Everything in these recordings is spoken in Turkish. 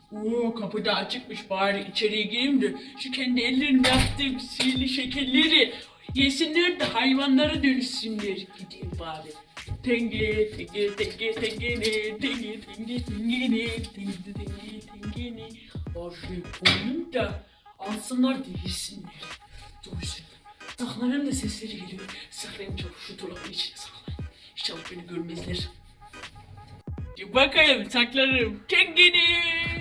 Oo, kapıda açıkmış, bari içeriye gireyim de şu kendi ellerimle yaptığım sihirli şekerleri yesinler de hayvanlara dönüşsünler. Gideyim bari. Tenge tenge tenge tengene tenge tenge tengene tenge tenge tengene. Afiyet koyayım da alsınlar da yesinler. Dursun. Saklanayım da sesleri geliyor. Saklayayım çabuk şu dolabın içine saklayayım. İnşallah beni görmezler. Bakayım saklarım. Tengene.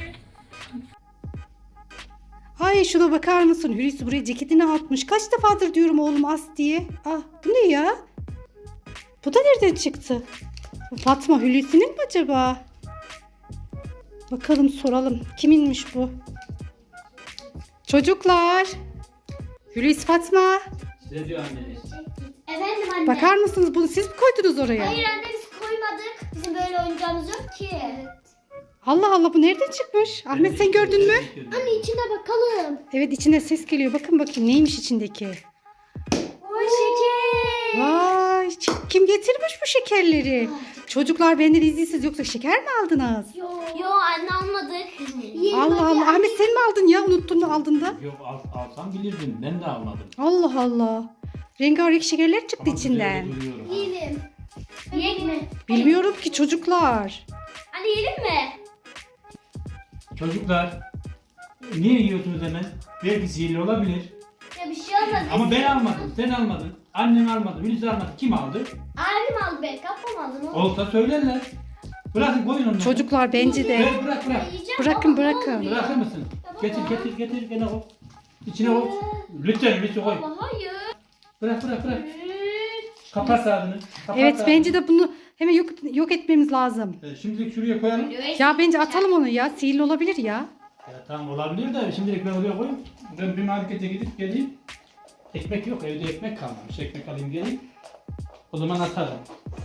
Ay şuna bakar mısın? Hulusi buraya ceketini atmış. Kaç defadır diyorum oğlum as diye. Ah bu ne ya? Bu da nereden çıktı? Bu Fatma Hulusi'nin mi acaba? Bakalım soralım. Kiminmiş bu? Çocuklar. Hulusi Fatma. Ne diyor anne? Efendim anne. Bakar mısınız bunu siz mi koydunuz oraya? Hayır anne biz koymadık. Bizim böyle oyuncağımız yok ki. Allah Allah bu nereden çıkmış? Ahmet sen gördün mü? Anne içine bakalım. Evet içine ses geliyor. Bakın bakayım neymiş içindeki. O şeker. Vay kim getirmiş bu şekerleri? Çocuklar benden izinsiz yoksa şeker mi aldınız? Yo anne almadık. Allah Allah Ahmet sen mi aldın ya? Unuttun mu aldın da? Yok alsam bilirdim. Ben de almadım. Allah Allah. Rengarenk şekerler çıktı Ama içinden. güzel duruyor ha. Yiyelim. Yiyek mi? Bilmiyorum ki çocuklar. Anne yiyelim mi? Çocuklar niye yiyorsunuz hemen? Belki sihirli olabilir. Ya bir şey olmaz. Ama ben almadım. Sen almadın. Annen almadı. Hulusi almadı. Kim aldı? Abim aldı be. Kapım aldı. Ne oldu? Olsa söylerler. Bırakın koyun onları. Çocuklar bence de. Bırak. Yiyeceğim Bırakın, ama ne bırakın. oluyor? Bırakır mısın? Getir gene koy. İçine koy. Lütfen Hulusi koy. Baba hayır. Bırak. Kapat ağzını. Kapat Evet ağzını. bence de bunu hemen yok etmemiz lazım. Şimdilik şuraya koyalım. Ya bence atalım onu ya. Sihirli olabilir ya. Ya tamam olabilir de şimdilik ben oraya koyayım. Ben bir markete gidip geleyim. Ekmek yok, evde ekmek kalmamış. Ekmek alayım geleyim. O zaman atarım.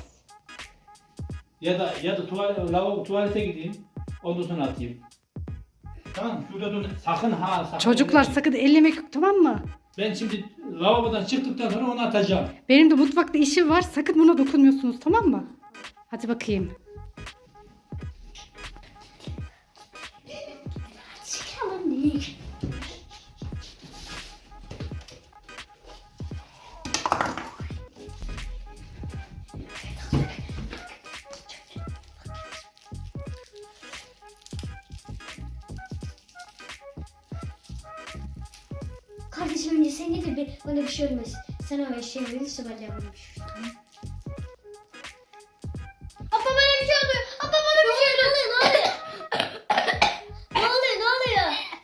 Ya da tuvalete gideyim. Ondan sonra atayım. Tamam, şurada dur. Sakın ha. Çocuklar sakın. sakın ellemek yok tamam mı? Ben şimdi lavabodan çıktıktan sonra onu atacağım. Benim de mutfakta işim var. Sakın buna dokunmuyorsunuz tamam mı? Hadi bakayım. Çıkalım değil. Kardeşim önce sen getir bir bana bir şey olmaz. Sen o eşeği verirse ben de yapayım. Abla bana bir şey oluyor. Abla bana bir şey oluyor. Ne oluyor? Ne oluyor?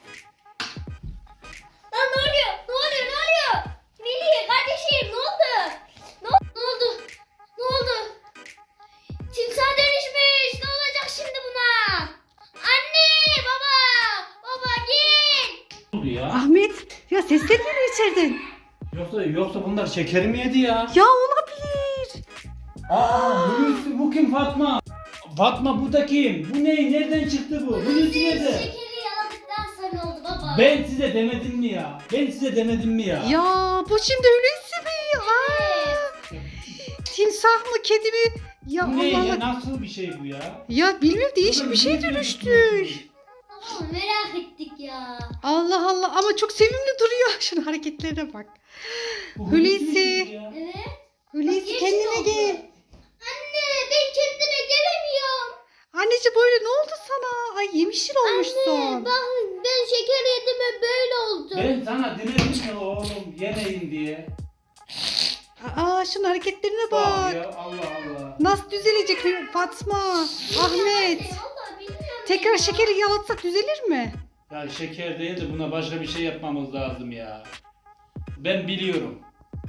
Lan ne oluyor? Veli kardeşim ne oldu? Ne oldu? Timsah dönüşmüş. Ne olacak şimdi buna? Anne baba gel. Ne oldu ya? Ahmet ya sesler geliyor içeriden. Yoksa bunlar şeker mi yedi ya? Ya olabilir. Hulusi bu kim Fatma? Fatma bu da kim? Bu ne? Nereden çıktı bu? Hulusi nerede? Şekeri yaladıktan sonra oldu baba. Ben size demedim mi ya? Ya bu şimdi Hulusi mi? Aa, timsah mı kedi mi? Ya Bu ne Allah ya? Allah. Nasıl bir şey bu ya? Ya bilmiyorum değişik bir şey dönüştür. Baba merak ettik ya. Allah Allah ama çok sevimli duruyor. Şunun hareketlerine bak. Bu Hulusi. mi ya? Evet. Hulusi Yeşil kendine oldu. gel. Anne ben kendime gelemiyorum. Anneciğim böyle ne oldu sana? Ay yemişil olmuşsun. Ben şeker yedim ve böyle oldu. Ben sana demedim mi oğlum yemeyin diye. Aa şunun hareketlerine bak. Ya Allah Allah. Nasıl düzelecek Fatma? Ahmet. Vallahi bilmiyorum. Tekrar ya. şekeri yalatsak düzelir mi? Ya şeker değil de buna başka bir şey yapmamız lazım ya. Ben biliyorum.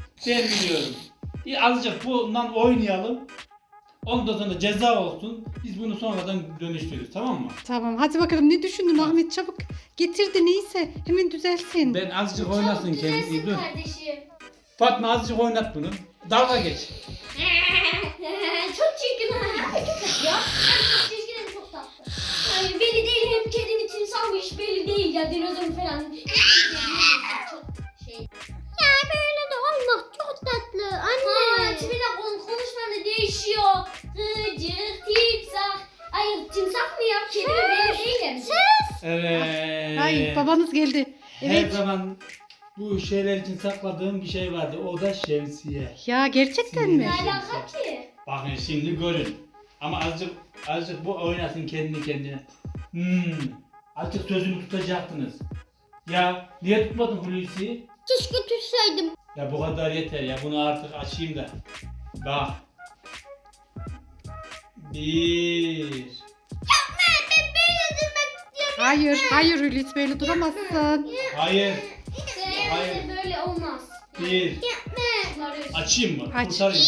Azıcık bundan oynayalım. Ondan sonra ceza olsun. Biz bunu sonradan dönüştürürüz tamam mı? Tamam hadi bakalım ne düşündün Ahmet çabuk getir de neyse hemen düzelsin. Ben azıcık oynasın Çabuk kendisi. düzelsin Dur. kardeşim. Fatma azıcık oynat bunu. Dalga geç. Çok çirkin ha. Çok tatlı ya. Çok çirkin hem çok tatlı. Ay belli değil hem kedi mi timsahmış belli değil ya dinozor falan. Çok şey. Ya böyle de olmaz çok tatlı anne. Ha tipine konuşman da değişiyor. Gıcık timsah. Ay timsah mı ya kedi mi belli değil hem. Sus. Evet. Ay babanız geldi. Her Evet. zaman bu şeyler için sakladığım bir şey vardı. O da şemsiye. Ya gerçekten mi? Ne alaka ki? Bakın şimdi görün. Ama azıcık bu oynasın kendi kendine. Azıcık sözümü tutacaktınız. Ya niye tutmadın Hulusi'yi? Keşke tutsaydım. Ya bu kadar yeter ya. Bunu artık açayım da. Bak. 1. Hayır, hayır Hulusi böyle duramazsın. Hayır. Hayır. Böyle olmaz. 1. Açayım mı? Aç. Kurtarayım.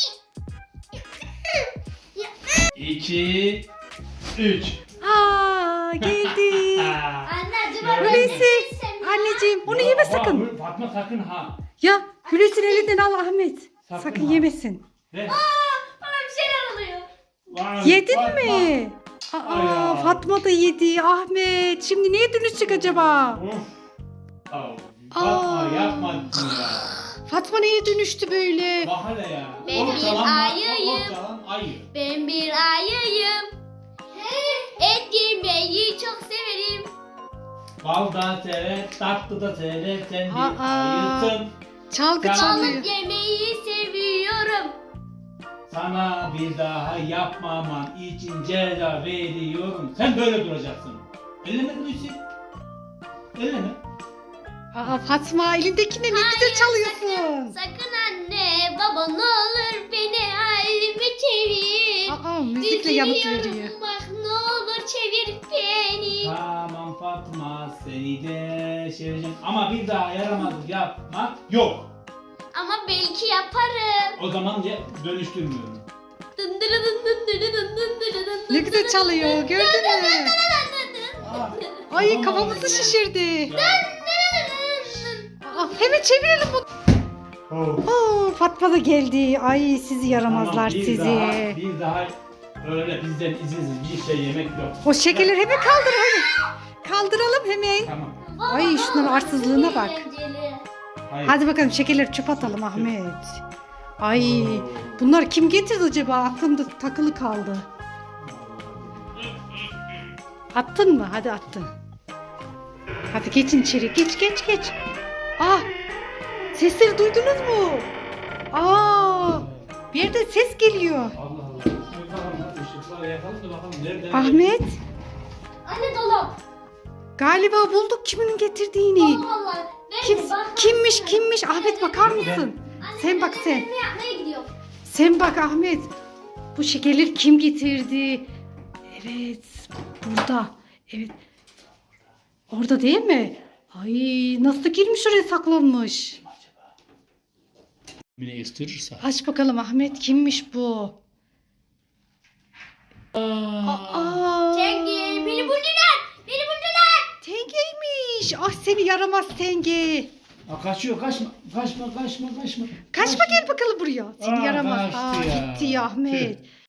2. 3. Aa geldi. Anne acaba Gördün mü? Hulusi, anneciğim onu yeme sakın. Fatma sakın ha. Ya Hulusi'nin elinden al Ahmet. Sakın Sakın ha. yemesin. Ver. bana bir şeyler oluyor. Vay, Yedin Fatma. mi? Ay ya. Aa Fatma da yedi. Ahmet şimdi niye dönüşecek acaba? Of. Fatma Aa. yapma ya. Fatma neye dönüştü böyle? Bak hele ya. Ben bir Ortalan ayıyım. Ortalan ayı. Ben bir ayıyım. Et yemeyi çok severim. Bal da sever, tatlı da sever. Sen bir Aa. ayısın. Çalgı Sen- çalıyor. Balık yemeyi seviyorum. Sana bir daha yapmaman için ceza veriyorum. Sen böyle duracaksın. Elleme Hulusi. Elleme. Aa Fatma elindekine ne güzel çalıyorsun. Sakın anne baba ne olur beni halime çevir. Aa müzikle yanıt Üzülüyorum, veriyor. bak ne olur çevir beni. Tamam Fatma seni de seveceğim. Ama bir daha yaramazlık yapmak yok. Ama belki yaparım. O zaman dönüştürmüyorum. Dındırı dın dındırı dın dındırı dın Ne güzel çalıyor gördün mü? Aa, Ay tamam kafamızı ya. şişirdi. Ya. Aa, hemen çevirelim bunu. Oh. Oo, Fatma da geldi. Ay sizi yaramazlar Tamam, sizi. Bir daha öyle bizden izinsiz bir şey yemek yok. O şekerleri hemen kaldır hadi. Kaldıralım hemen. Tamam. Ay, şunların arsızlığına bak. Eğlenceli. Hayır. Hadi bakalım şekerleri çöp atalım Ahmet. Ay bunlar kim getirdi acaba? Aklımda takılı kaldı. Attın mı? Hadi attın. Hadi geçin içeri. Geç. Ah! Sesleri duydunuz mu? Aa! Bir yerden ses geliyor. Allah Allah. Işıkları yakalım da bakalım nereden. Ahmet, Anne dolap. galiba bulduk kimin getirdiğini. Allah Allah. Ben de bak- Kimmiş? Ahmet bakar mısın? Anne, Sen bak ben sen. Ne yapmaya gidiyor? Sen bak Ahmet. Bu şekerleri kim getirdi? Evet, burada. Evet. Orada değil mi? Ay nasıl girmiş oraya saklanmış? Beni ısırırsa. Aç bakalım Ahmet kimmiş bu? Aa, Tengi beni buldular. Beni buldular. Tengeymiş. Ah seni yaramaz Tenge. Kaçıyor kaçma. Kaçma gel bakalım buraya. Seni Aa, yaramaz. kaçtı ya. Gitti ya Ahmet.